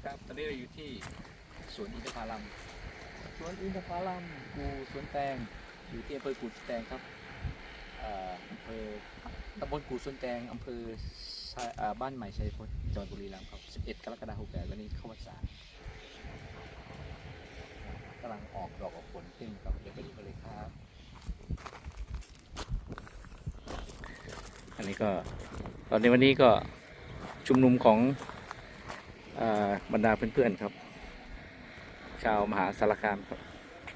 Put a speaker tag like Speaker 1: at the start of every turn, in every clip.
Speaker 1: ครับตอนนี้เราอยู่ที่สวนอินทผลัมสวนอินทผลัมกูสวนแตงอยู่ที่อำเภอกูสวนแตงครับอำเภอตำบลกูสวนแตงอำเภอบ้านใหม่ชัยพจน์จังหวัดบุรีรัมย์ครับ11 กรกฎาคม 68วันนี้เข้าพรรษากำลังออกดอกออกผลขึ้นครับเดี๋ยวไปดูกันเลยครับอันนี้ก็ตอนในวันนี้ก็ชุมนุมของบรรดาเพื่อนๆครับชาวมหาสารคามครับ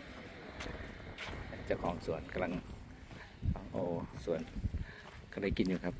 Speaker 1: เจ้าของสวนกำลังสวนก็ได้กินอยู่ครับ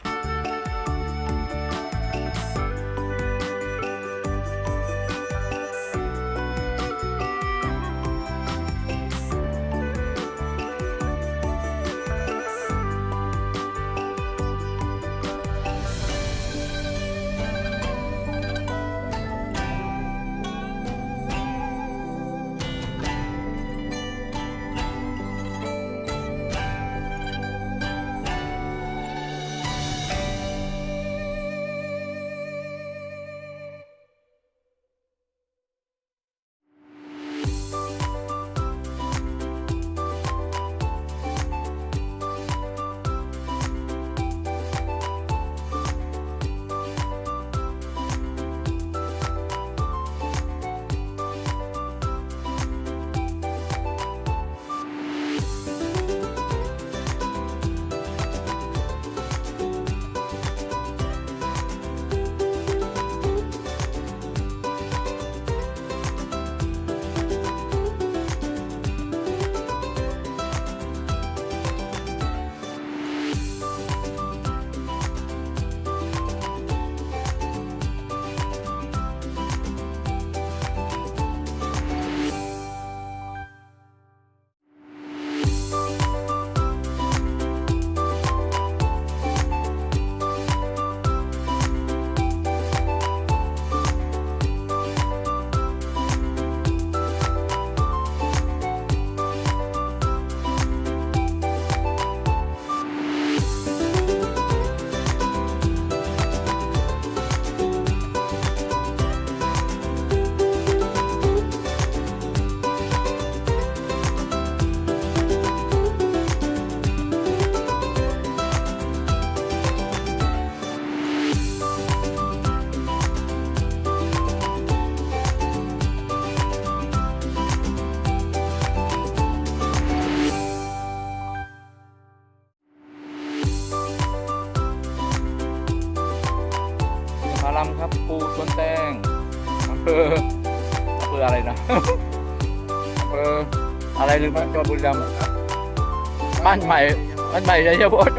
Speaker 1: ผลัมครับปูสวนแตงอำเภออะไรนะ อำเภออะไรลืมจังหวัดบุรีรัมย์บ้านใหม่ชัยพจน์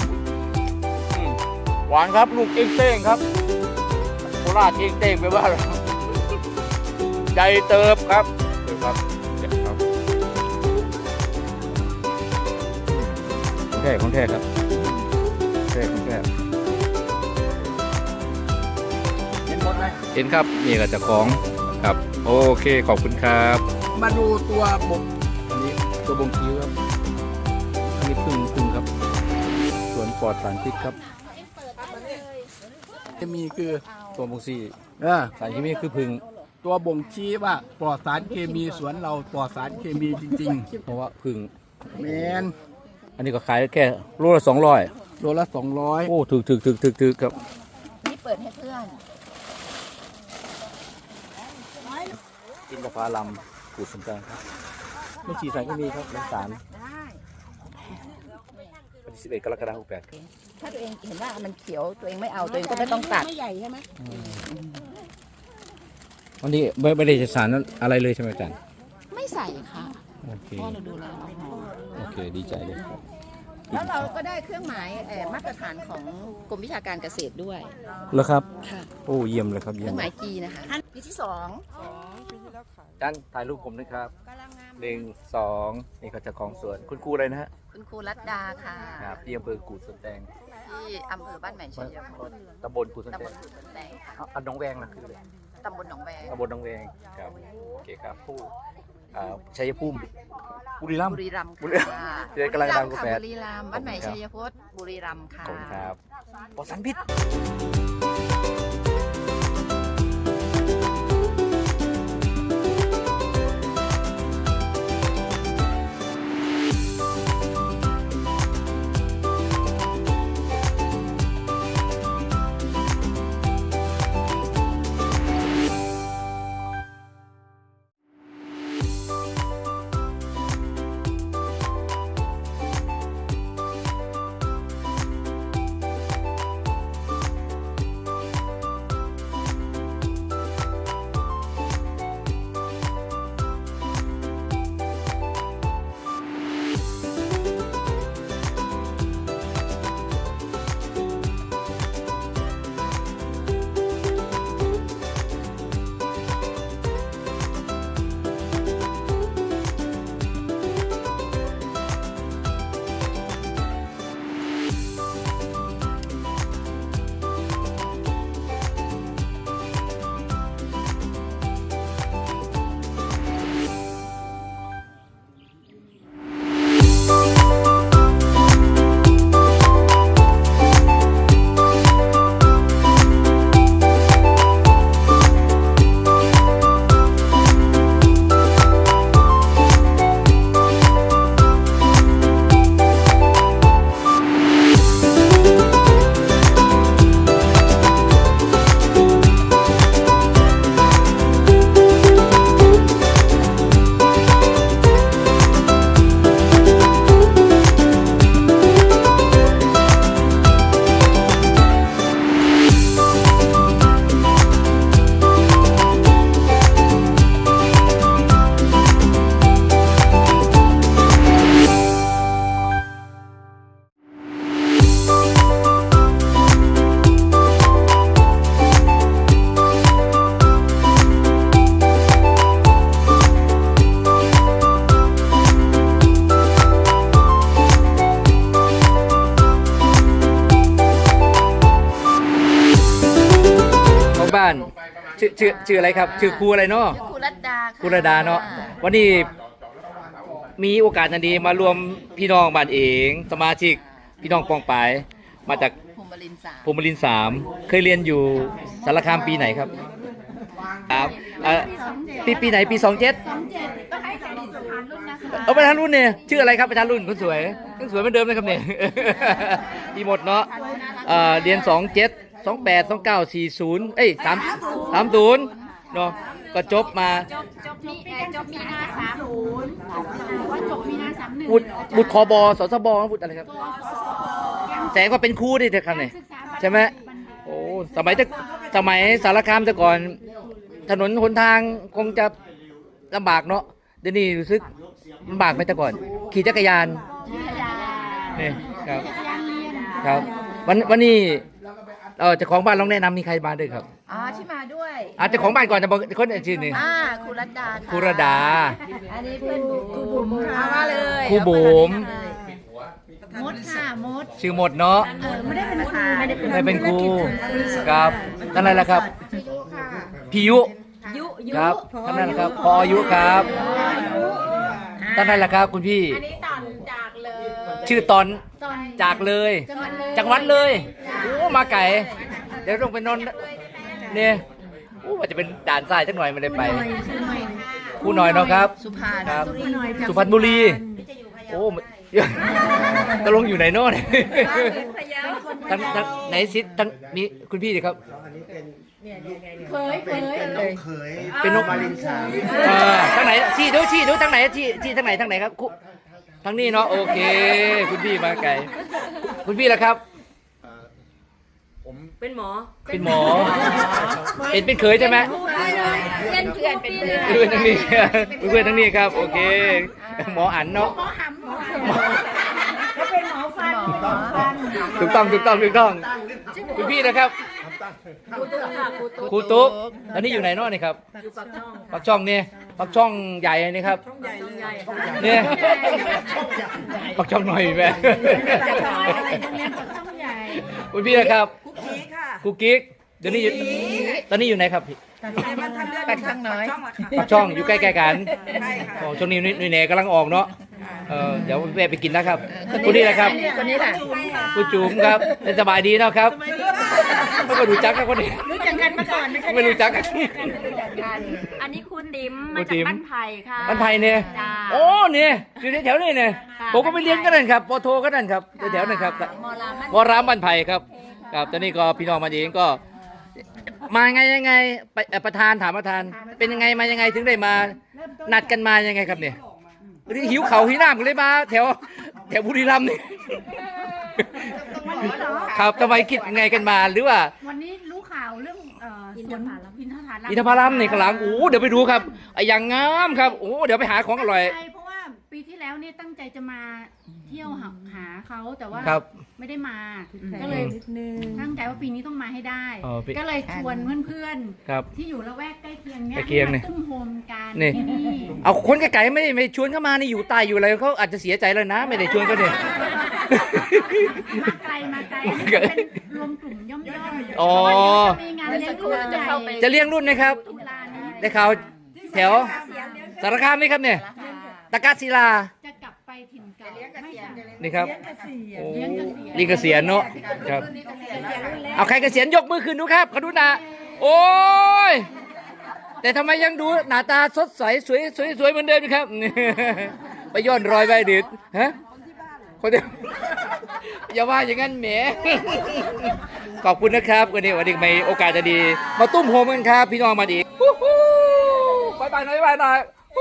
Speaker 1: หวานครับลูกเต้งครับโคราชเต้งไปบ้านเราใจเติบครับของแท้ครับแท้เห็นครับนี่ก็จะของครับโอเคขอบคุณครับ
Speaker 2: มาดูตัวบก
Speaker 1: อันนี้ตัวบงคิ้วครับอันนี้พึ่งครับสวนปลอดสารพิษครับ
Speaker 2: จะมีคือ
Speaker 1: ตัวบงซีสารเคมีคือพึ่ง
Speaker 2: ตัวบ่งชี้ว่าปลอดสารเคมีสวนเราปลอดสารเคมีจริง
Speaker 1: ๆเพราะว่าพึ่ง
Speaker 2: แมน
Speaker 1: อันนี้ก็ขายแค่โลละ200
Speaker 2: โลละ200
Speaker 1: โอ้ถึกครับ
Speaker 3: นี่เปิดให้เพื่อน
Speaker 1: อินทผลัมกูดสวนแตงครับไม่ฉีดสารเคมีครับเป็นสาร11 กรกฎาคม 68
Speaker 3: ถ้าตัวเองเห็นว่ามันเขียวตัวเองไม่เอาตัวเองก็ไม่ต้องตัด
Speaker 4: ไม่ใหญ่ใช่ไหม
Speaker 1: วันนี้ไม่ได้ใช้สารอะไรเลยใช่ไหมอาจารย์
Speaker 3: ไม่ใส่ค่ะ
Speaker 1: โอเค
Speaker 3: เพราะเราดูแล
Speaker 1: โอเคดีใจเลยครับ
Speaker 3: แล้วเราก็ได้เครื่องหมายมาตรฐานของกรมวิชาการเกษตรด้วย
Speaker 1: เหรอครับ
Speaker 3: ค่ะ
Speaker 1: โอ้เยี่ยมเลยครับ
Speaker 3: เครื่องหมาย G นะคะปีที่
Speaker 1: 2ท่านถ่ายรูปผมนะครับ1 2นี่ก็จะของสวนคุณครูอะไรนะฮะ
Speaker 3: คุณครูรัตดาค่ะ
Speaker 1: ครับที่อำเภอกูดสวนแตง
Speaker 3: ที่อำเภอบ้านใหม่ชัยพจน์
Speaker 1: ตำบลกูดสวนแตงอันน้องแวงนะคืออะไร
Speaker 3: ตำบลหนองแวง
Speaker 1: ครับโอเคครับผู้ชัยภูมิบุรีรัมย์
Speaker 3: ค่ะบุ
Speaker 1: รีรัมย์
Speaker 3: บ้านใหม่ชัยพจน์บุรีรัมย์ค่ะ
Speaker 1: ขอบคุณครับปลอดสารพิษชื่ออะไรครับ ชื่อครูอะไรเนาะ
Speaker 3: ชื่อครูรัตดาค่ะ
Speaker 1: ครูระดาเนาะวันนี้มีโอกาสอันดีมารวมพี่น้องบ้านเองสมาชิกพี่น้องปองปายมาจาก
Speaker 3: ภูมิรินทร์สาม
Speaker 1: ภูมิรินทร์3เคยเรียนอยู่สารคามปีไหนครับครับปีไหนปี27
Speaker 3: ต้องให้สารสุพรรณรุ่นนะคะ
Speaker 1: เอาประธานรุ่นเนี่ยชื่ออะไรครับประธานรุ่นคนสวยยังสวยเหมือนเดิมเลยครับเนี่ย ดีหมดเนาะเรียน27 28 29 4030เนาะก็จบมา
Speaker 4: จบมีนา30ว่าจบมีนา31
Speaker 1: บุตรคบสสบบุตรอะไรครับแสงก็เป็นครูดิเถอะครับเนี่ยใช่ไหมโอ้สมัยสารคามแต่ก่อน ถนนหนทางคงจะลำบากเนาะเดี๋ยวนี้รู้สึกลำบากไหมแต่ก่อน ขี่จักรยานนี่ครับครับวันนี้เจ้าของบ้านลองแนะนำมีใครมาด้วยครับ
Speaker 3: อ๋อที่มาด้วย
Speaker 1: เจ้าของบ้านก่อนจะบอกคนชื่อหนึ่ง
Speaker 3: ครูรัตดาค่ะ
Speaker 1: ครูระดา
Speaker 3: อันนี้เป็นครูบุ๋มค่ะมาเลย
Speaker 1: ครูบุ๋ม
Speaker 4: มดค่ะมด
Speaker 1: ชื่อหมดเนาะ
Speaker 3: ไม่ได้เป็นครูไม่ได้เป็น
Speaker 1: ไม่เป็นครูครับท่านอะไรล่ะครับพิยุ
Speaker 3: ยุ
Speaker 1: ครับท่านนั้นแหละครับพออายุครับท่านนั้นแหละครับคุณพี่
Speaker 4: อันนี้ตอนจากเลย
Speaker 1: ชื่อตอน
Speaker 4: ตอน
Speaker 1: จากเลย
Speaker 4: จังหวัดเลย
Speaker 1: จังหวัดเลยโอ้มาไก่เดี๋ยวต้องไปนอนเนี่ยโอ้ว่าจะเป็นด่านทรายสักหน่อยไม่ได้ไปครูหน่อยเนาะครับ
Speaker 3: สุพรรณ
Speaker 1: ครับสุพรรณบุรีโอ้ตกลงอยู่ไหนโน่นทั้งไหนซิทั้งมีคุณพี่ดิครับ
Speaker 4: เคย
Speaker 1: เป็นนกมาลินสามทางไหนชี้ดูทางไหนชี้ทางไหนครับทางนี้เนาะโอเค คุณพี่มาไกลคุณพี่ล่ะครับ
Speaker 4: เป็นหมอ
Speaker 1: เป็นหมอเป็นเคยใช่ไหม
Speaker 4: เพื่อนเป็นเพื่อน
Speaker 1: เพื่อนทางนี้เพื่อนทางนี้ครับโอเคหมออันเนาะ
Speaker 4: แล้วเป็นหมอฟัน
Speaker 1: ถูกต้องคุณพี่นะครับครูตุ๊กตอนนี้อยู่ไหนเนาะนี่ครับปักช่องเนี่ยปักช่องใหญ่นี่ครับเนี่ยปักช่องหน่อยแม่
Speaker 4: ช่องใหญ่
Speaker 1: คุณพี่นะครับครูกิ๊กเดี๋ยวนี้ตอนนี้อยู่ไหนครับพี่
Speaker 3: ปักช่องน้อย
Speaker 1: ปักช่องอยู่ใกล้ๆกันโอ้ช่วงนี้นุ่ยแหน่กำลังออกเนาะเดี๋ยวแวะไปกินนะครับคุณนี่นะครับ
Speaker 3: คนนี้แหละ
Speaker 1: คุณจุ๋มครับสบายดีนะครับไม่รู้จักกับคนนี้
Speaker 4: รู้จักกันมาก่อนไหมคะ
Speaker 1: ไม่รู้จักกัน
Speaker 4: อันนี้ครูติ๋ม
Speaker 1: ครู
Speaker 4: มา
Speaker 1: ติ๋
Speaker 4: จาก
Speaker 1: ม
Speaker 4: บ้านไผ่ค่ะ
Speaker 1: บ้านไผ่เนี่ย
Speaker 4: จ้า
Speaker 1: โอ้เนี่ยอยู่แถวๆนี่เนี่ยผมก็ไปเรียนกันนั่นครับปโทก็นั่นครับแถวๆนั่นครับ
Speaker 3: มอลามัน
Speaker 1: วรามบ้านไผ่ครับครับตอนนี้ก็พี่น้องมาเองก็ มายังไงไปประธานถามประธาน เป็นยังไงมายังไงถึงได้มานัดกันมายังไงครับเนี่ยหรือหิวเขาหิวน้ำกันเลยมาแถวบุรีรัมย์นี่ครับทำไมคิดยังไงกันมาหรือว่า
Speaker 4: วันนี้รู้ข่าวเรื่องสวนอินทผลัม
Speaker 1: อินทผลัมนี่ข้างหลังโอ้เดี๋ยวไปดูครับอย่างงามครับโอ้เดี๋ยวไปหาของอร่อย
Speaker 4: ใช่เพราะว่าปีที่แล้วเนี่ยตั้งใจจะมาเที่ยวหาเขาแต่ว่า
Speaker 1: ครับ
Speaker 4: ไม่ได้มาก็เลยตั้งใจว่าปีนี้ต้องมาให้ได้
Speaker 1: อ๋อปี
Speaker 4: ก็เลยชวนเพื่อน
Speaker 1: ครับ
Speaker 4: ๆที่อยู่ละแวกใกล้เคียงเนี่ย
Speaker 1: ใกล้เคียงเนี่ย
Speaker 4: มาตุ้มโฮมกัน
Speaker 1: นี่
Speaker 4: ที่นี่
Speaker 1: เอาคนไกลๆไม่ชวนเข้ามานี่อยู่ใต้อยู่อะไรเขาอาจจะเสียใจเลยนะ ไม่ได้ชวนก็เนี่ย
Speaker 4: มาไกลอันนี้เป็นรวมกลุ่มย่อมๆ
Speaker 1: อ๋อ
Speaker 4: เพราะว่าเดี๋ยวจะมีงานเลี้ยงรุ่นใหญ่
Speaker 1: จะเลี้ยงรุ่นนะครับ
Speaker 4: ตุลานี้
Speaker 1: ได้ข่าวแถวสารคามนี่ครับเนี่ยตะกัศิลา
Speaker 4: จะกลับไปถิ่นเก่าไม่ค่ะ
Speaker 1: นี่ครับโอ้
Speaker 4: เลี้ยงเกษียณ
Speaker 1: นี่เกษียณเนาะครับเอาใครเกษียณยกมือขึ้นดูครับขอดูหน้าโอ้ยแต่ทำไมยังดูหน้าตาสดใสสวยเหมือนเดิมอยู่ครับ ไปย้อนรอยไปดิดฮะคนเดียวอย่าว่าอย่างนั้นแหมขอบคุณนะครับวันนี้มีโอกาสจะดีมาตุ้มโฮมกันครับพี่น้องมาดีบายหน่อย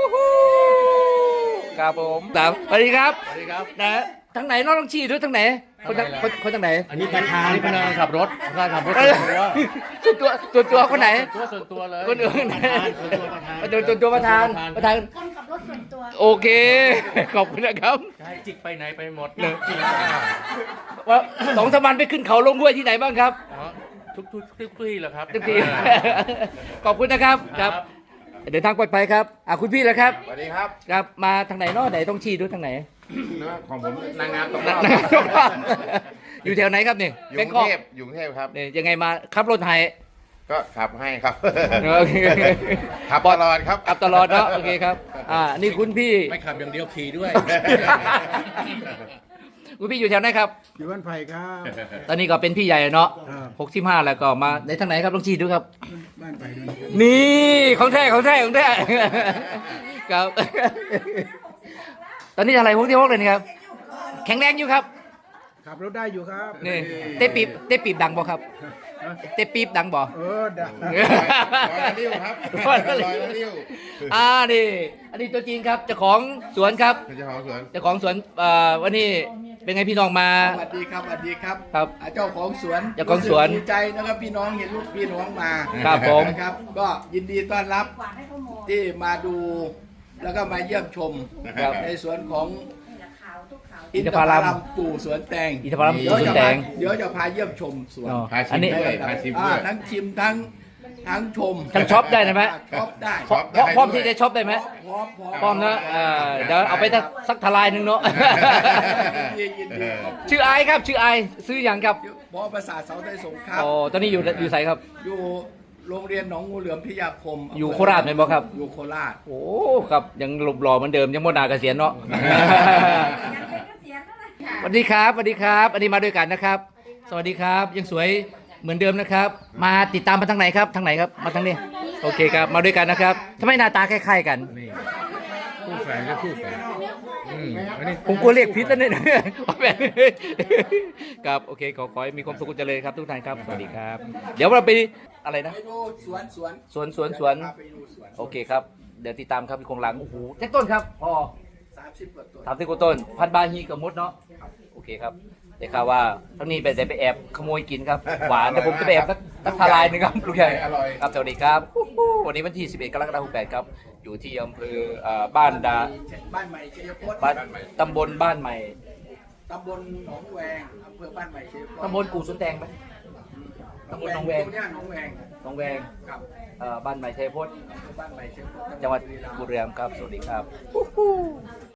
Speaker 1: ครับผมสวัสดีครับนะทางไหนน้องต้องชี้ด้วยทางไหนคนทางไหน
Speaker 5: อันนี้ประธานพนักงานขับรถส่วน
Speaker 1: ตัวคนไหน
Speaker 5: ส่วนตัวเลย
Speaker 1: คนอื่น
Speaker 5: ตัวประธาน
Speaker 1: ประธาน
Speaker 4: คนขับรถส่วนตัว
Speaker 1: โอเคขอบคุณนะครับ
Speaker 5: ใช่จิกไปไหนไปหมด
Speaker 1: เลยว่า2-3 วันไปขึ้นเขาลงห้วยที่ไหนบ้างครับ
Speaker 5: ทุกที่เหรอครับ
Speaker 1: ทุกทีขอบคุณนะครับครับเดินทางปลอดภัยครับคุณพี่แล้วครับ
Speaker 6: สวัสดีครับ
Speaker 1: ครับมาทางไหนเนาะไหนต้องชี้ด้วยทางไหน
Speaker 6: เนื้อของผมนางงามตกร
Speaker 1: นะ
Speaker 6: อบ
Speaker 1: อยู่แถวไหนครับเนี่ย
Speaker 6: อยู่
Speaker 1: แบ
Speaker 6: ก
Speaker 1: ง
Speaker 6: รุ
Speaker 1: ค
Speaker 6: ง
Speaker 1: อก
Speaker 6: เทพอยู่กรุงเทพครับ
Speaker 1: เนี่ยยังไงมาขับรถไทย
Speaker 6: ก็ขับให้ครับ
Speaker 1: โอเค
Speaker 6: ขับตลอดครับ
Speaker 1: ขับตลอดเนาะโอเคครับนี่คุณพี่
Speaker 5: ไม่ขับอย่างเดียวขี่ด้วย
Speaker 1: คุณพี่อยู่แถวไหนครับ
Speaker 2: อยู่บ้านไผ่ครับ
Speaker 1: ตอนนี้ก็เป็นพี่ใหญ่เนาะ
Speaker 2: ครับ
Speaker 1: 65แล้วก็มาในทางไหนครับลองชี้ดูครับ
Speaker 2: บ้านไผ่ด้วย
Speaker 1: นี่ของแท้ของแท้ของแท้ครับ ตอนนี้อะไร66เลยนะครับ แข็งแรงอยู่ครับ
Speaker 2: ขับรถได้อยู่ครับ
Speaker 1: นี่เตะปีบดังบ่ครับ เตะปีบดังบ่
Speaker 2: ดัง
Speaker 6: ลอยละลิ้วครับลอยละลิ้ว
Speaker 1: นี่อันนี้ตัวจริงครับเจ้าของสวนครับ
Speaker 6: เจ้าของสวน
Speaker 1: เจ้าของสวนวันนี้เป็นไงพี่น้องมา
Speaker 2: สวัสดีครับสวัสดีครับ
Speaker 1: ครับ
Speaker 2: เจ้าของสวน
Speaker 1: เจ้าของสวน
Speaker 2: รู้สึกดีใจนะครับพี่น้องเห็นลูกพี่น้องมา
Speaker 1: ครับผม
Speaker 2: นะครับ ก็ยินดีต้อนรับที่มาดูแล้วก็มาเยี่ยมชม
Speaker 1: ครับ
Speaker 2: ในสวนของ
Speaker 1: อินทผลัม
Speaker 2: ปู่สวนแตง
Speaker 1: อินทผลัมปู่สวนแตง
Speaker 2: เดี๋ยวจะพาเยี่ยมชมสวน
Speaker 1: อ๋อ
Speaker 6: พา
Speaker 1: อั
Speaker 6: ชิ
Speaker 1: น
Speaker 6: ม
Speaker 1: นี้
Speaker 6: ด้วยพาชิมด้วย
Speaker 2: ทั้งชิมทั้งชม
Speaker 1: ทั้งช็อปได้ไหม
Speaker 2: ช็อปได้
Speaker 6: ช็อปได้
Speaker 1: พร้อมที่จะช็อปได้ไหม
Speaker 2: พร้อม
Speaker 1: พร้อมนะเดี๋ยวเอาไปสักทลายหนึ่งเนาะ
Speaker 2: ยินดีขอบคุณ
Speaker 1: ชื่อไอซ์ครับชื่อไอซ์ซื้ออย่างครับ
Speaker 2: บประสาทเสาไทยสงครับ
Speaker 1: โอ้ตอนนี้อยู่ไสครับ
Speaker 2: อยู่โรงเรียนหนองงูเหลือมพิทยาคม
Speaker 1: อยู่โคราชไหมบ่ครับ
Speaker 2: อยู่โคราช
Speaker 1: โอ้ครับยังหลบหล่อเหมือนเดิมยังโมนาเกษียณเนาะ สวัสดีครับสวัสดีครับ อันนี้มาด้วยกันนะครับ สวัสดีครับ ยังสวยเหมือนเดิมนะครับ มาติดตามมาทางไหนครับทางไหนครับมาทางนี้โอเคครับมาด้วยกันนะครับทำไมหน้าตาคล้ายๆกัน
Speaker 5: คู่แฝดก็คู่แฝดอันนี้
Speaker 1: ผมกลัวเรียกพิษแล้วเนี่ย ครับโอเคขอให้มีความสุขเจริญครับทุกท่านครับสวัสดีครับ เดี๋ยวเราไปอะไรนะ
Speaker 2: ไปดูสวน
Speaker 1: สวน
Speaker 2: พาไปดูสวน
Speaker 1: โอเคครับเดี๋ยวติดตามครับพี่คงหลังโอ้โหแจ็คต้นครับพอ
Speaker 2: 30 กว่าตัว
Speaker 1: 30 กว่าต้นพันบาฮีกับมดเนาะโอเคครับแต่ข่าวว่าทั้งนี้ไปแอบขโมยกินครับหวานแต่ผมจะไปแอบสักทลายหนึงครับลูกใหญ่
Speaker 6: อร่อย
Speaker 1: ครับสวัสดีครับวันนี้วันที่ 11 กรกฎาคม 68ครับอยู่ที่อำเภอบ้านดา
Speaker 2: บ้านใหม่ชัยพจน์
Speaker 1: บ้านตำบลบ้านใหม่
Speaker 2: ตำบลหนองแวงอำเภอบ้านใหม่ชัยพจน์
Speaker 1: ตำบลกู่สวนแตงไหมตำบลหนองแวง
Speaker 2: ตรงเนี้ยหนองแวง
Speaker 1: หนองแวง
Speaker 2: ครับ
Speaker 1: บ้านใหม่ชัยพจน์
Speaker 2: บ้านใหม่ชัยพจน์
Speaker 1: จังหวัดบุรีรัมย์ครับสวัสดีครับ